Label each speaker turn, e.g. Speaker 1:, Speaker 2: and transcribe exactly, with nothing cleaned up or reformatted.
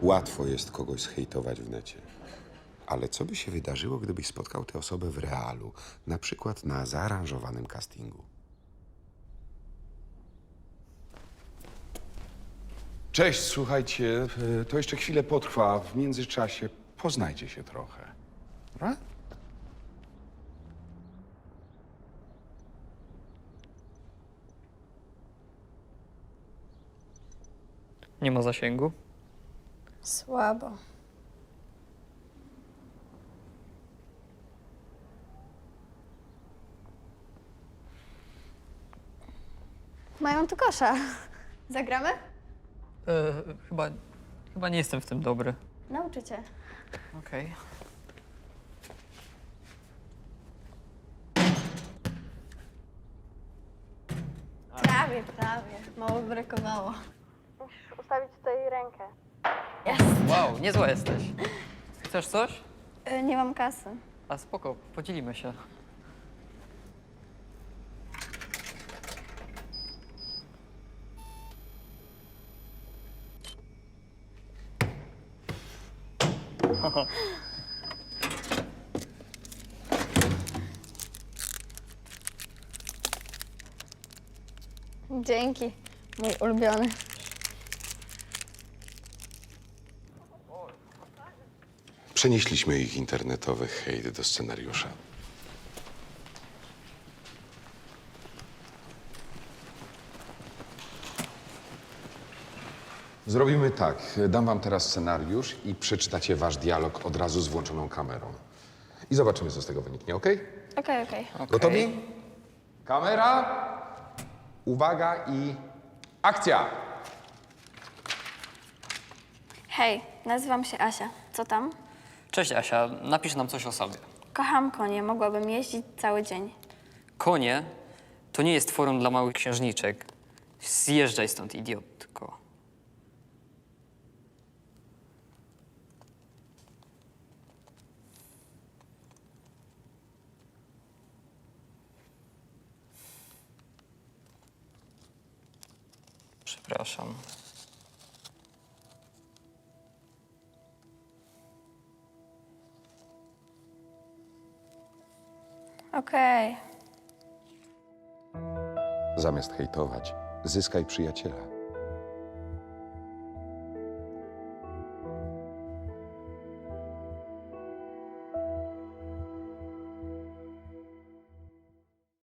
Speaker 1: Łatwo jest kogoś zhejtować w necie. Ale co by się wydarzyło, gdybyś spotkał tę osobę w realu, na przykład na zaaranżowanym castingu?
Speaker 2: Cześć, słuchajcie, e, to jeszcze chwilę potrwa. W międzyczasie poznajcie się trochę. Dobra?
Speaker 3: Nie ma zasięgu.
Speaker 4: Słabo. Mają tu kosza. Zagramy?
Speaker 3: E, chyba, chyba nie jestem w tym dobry.
Speaker 4: Nauczę cię.
Speaker 3: Okej.
Speaker 4: Prawie, prawie. Mało brakowało. Musisz ustawić tutaj rękę.
Speaker 3: Wow, niezła jesteś. Chcesz coś?
Speaker 4: Y, nie mam kasy.
Speaker 3: A spoko, podzielimy się.
Speaker 4: Dzięki. Mój ulubiony.
Speaker 1: Przenieśliśmy ich internetowy hejt do scenariusza.
Speaker 2: Zrobimy tak. Dam wam teraz scenariusz i przeczytacie wasz dialog od razu z włączoną kamerą. I zobaczymy, co z tego wyniknie, okej?
Speaker 4: Okej, okej.
Speaker 3: Okej.
Speaker 2: Gotowi? Kamera, uwaga i akcja!
Speaker 4: Hej, nazywam się Asia. Co tam?
Speaker 3: Cześć Asia, napisz nam coś o sobie.
Speaker 4: Kocham konie. Mogłabym jeździć cały dzień.
Speaker 3: Konie to nie jest forum dla małych księżniczek. Zjeżdżaj stąd, idiotko. Przepraszam.
Speaker 4: Okej.
Speaker 1: Zamiast hejtować, zyskaj przyjaciela.